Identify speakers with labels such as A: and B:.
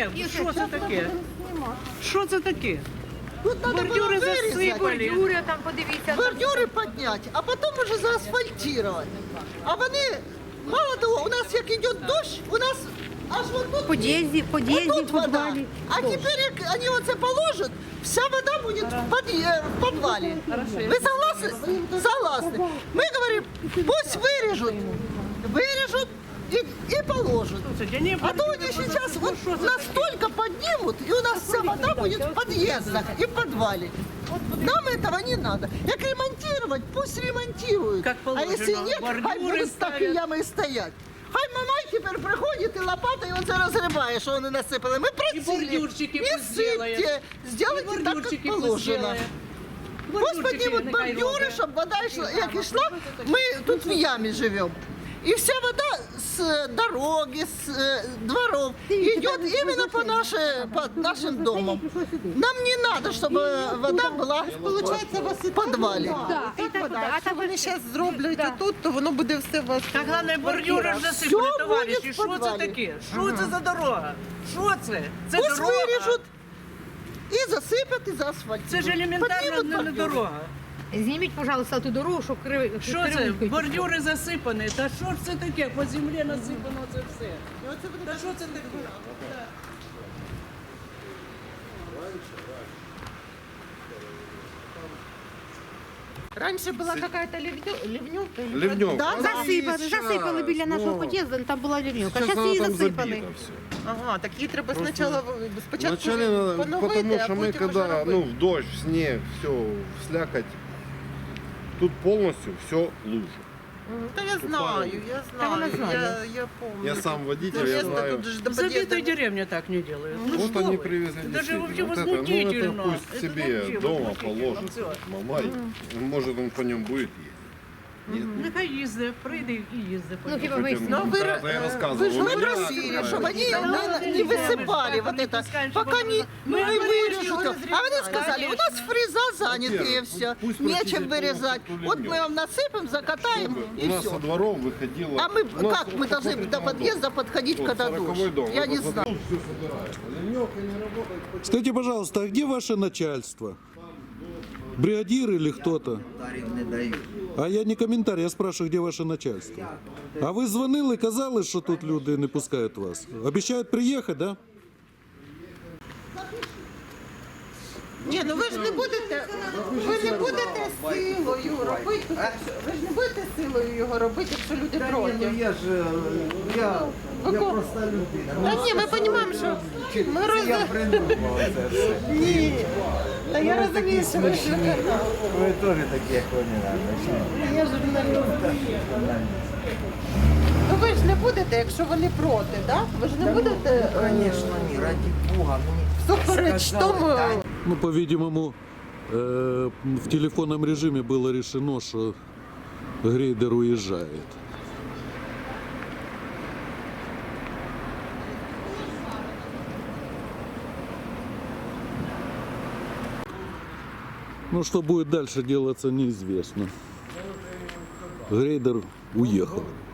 A: що це таке? Що це таке?
B: Тут надо
A: Бордюри
B: было вырезать,
A: засипали.
C: Бордюри там, подивіться.
B: бордюри поднять, а потом уже заасфальтировать. А вони, мало того, у нас як йде дощ, у нас аж вот тут,
C: Под'їзді,
B: вот тут
C: в
B: вода.
C: підвалі.
B: А теперь, як вони оце положат, вся вода будет в подвале. Вы согласны? Согласны. Мы говорим, пусть вырежут и положат.
A: Слушайте, не
B: А то они сейчас вот настолько поднимут, и у нас вся вода будет в подъездах и в подвале. Нам этого не надо. Як ремонтировать, пусть ремонтируют.
A: Как
B: А
A: положено,
B: если нет, хай
A: бордюры
B: будут так и
A: ставят.
B: ямы стоять. Хай Мамай тепер приходить і лопатою оце розриває, що вони насипали. Ми просили,
A: бордюрчики
B: не
A: пусть сделает.
B: сипте, сделайте так, як
A: Бордюрчики пусть
B: положено.
A: сделает.
B: Пусть поднимут
A: нехай
B: бордюри,
A: роблять.
B: щоб вода йшла, як йшла, ми тут в ямі живемо. И вся вода с дороги, с дворов идет именно по нашим домам. Нам не надо, чтобы вода была в подвале.
C: Да, і так, а так
D: Вони зараз зроблять отут, то воно буде все у вас.
A: Та головне, бордюри ж засипали,
B: Всьо
A: товариші.
B: буде в
A: Що це
B: підвалі.
A: таке? Що це за дорога? Що це? Це
B: Пусть
A: дорога.
B: вырежут и засыпят, и заасфальтируют.
A: Це ж елементарно
B: Поднимут
A: не
B: бордюры.
A: дорога.
C: зніміть, пожалуйста, ту дорогу, щоб
A: Що це? Бордюри засипані. Та що ж це таке? По землі насипано це все. Та що це таке?
D: Раніше була якась ливнюка.
E: Ливневка.
B: Да,
C: Засипали біля нашого під'їзду, там була лівнюка.
E: Сейчас
C: Зараз її
E: она там
C: засипали.
E: забита все.
D: Ага, так її треба спочатку
E: Вначале надо, потому что мы когда, ну, в дождь, в снег, все, в слякоть, тут полностью все лужа.
D: Та я знаю,
C: вона знає.
D: я помню.
E: Я сам водитель,
D: Ну,
E: я
D: чесно,
E: знаю.
D: тут же до
A: В забитой
D: під'їзду.
A: деревне так не делают. Ну
E: Вот
A: что
E: они
A: вы?
E: привезли
A: Это же
E: действительно.
A: вообще
E: Вот это, ну,
A: возмутительно.
E: это пусть
A: Это
E: себе
A: вообще
E: дома
A: возмутительно.
E: положит.
A: Всё.
E: Мамай. Может, он по нему будет ездить. Нет?
A: Нехай їздить, прийде і їздить.
C: Ну, хіба ви
E: Хотя,
D: Ну, вы-
E: да, я рассказывал.
B: Вы же
E: у
B: мы
E: меня
B: просили,
E: такая
B: чтобы они
E: история.
B: не высыпали вот это, пока не вырежут. А они сказали, у нас фреза заняты и все,
E: Пусть
B: нечем
E: прочистят
B: вырезать.
E: полностью
B: Вот мы
E: ливнёв.
B: вам насыпем, закатаем
E: У
B: и
E: нас
B: все.
E: со дворов выходило...
B: А мы
E: у нас
B: как мы
E: вот
B: должны
E: такой
B: до
E: дом.
B: подъезда подходить,
E: Вот
B: когда
E: 40-й
B: дождь?
E: дом.
B: Я
E: Вот
B: не
E: вот
B: знаю.
E: тут всё собирается. Ливневка не работает.
F: Скажите, пожалуйста, а где ваше начальство? Бригадир или кто-то? А я не коментар, я спрашиваю, где ваше начальство. А ви дзвонили, казали, що тут люди не пускають вас? Обіцяють приїхати, да?
D: Ні, ну ви ж не будете силою робити. Ви ж не будете силою його робити, якщо люди проти.
G: Я проста людина.
D: Та ні, ми розуміємо, що ми
G: Я придумав це все.
D: Ні. Та я розумію, що ви журналіст.
G: Ви теж такі, як вони, наверное.
D: Я журналіст. Ну ви ж не будете, якщо вони проти, так? Ви ж не будете
G: Звісно, ні, раді Бога. Мені
D: супереч
G: сказали,
D: тому.
G: та
F: Ну, по-видимому, в телефонном режиме было решено, что грейдер уезжает. Ну, что будет дальше делаться, неизвестно. Грейдер уехал.